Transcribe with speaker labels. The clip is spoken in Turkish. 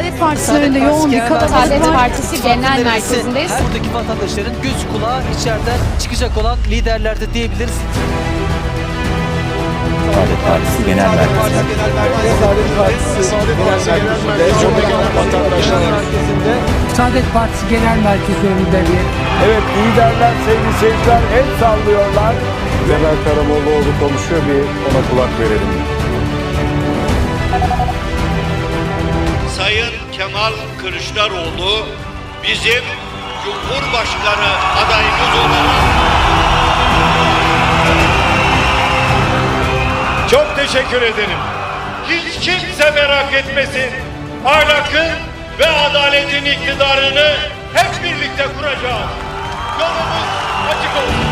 Speaker 1: Saadet Partisi'nin önünde yoğun bir kalabalık
Speaker 2: Saadet
Speaker 1: var.
Speaker 2: Partisi Genel Merkezi'ndeyiz.
Speaker 3: Buradaki vatandaşların gözü kulağı içeriden çıkacak olan liderlerde diyebiliriz.
Speaker 4: Saadet Partisi Genel Merkezi'nde.
Speaker 5: Saadet Partisi Genel Merkezi önünde bir.
Speaker 6: Evet, liderler, sevgili seyirciler el sallıyorlar. Zeynel Karamollaoğlu konuşuyor, bir ona kulak verelim.
Speaker 7: Sayın Kemal Kılıçdaroğlu bizim Cumhurbaşkanı adayımız olarak çok teşekkür ederim. Hiç kimse merak etmesin. Ahlakın ve adaletin iktidarını hep birlikte kuracağız. Yolumuz açık olsun.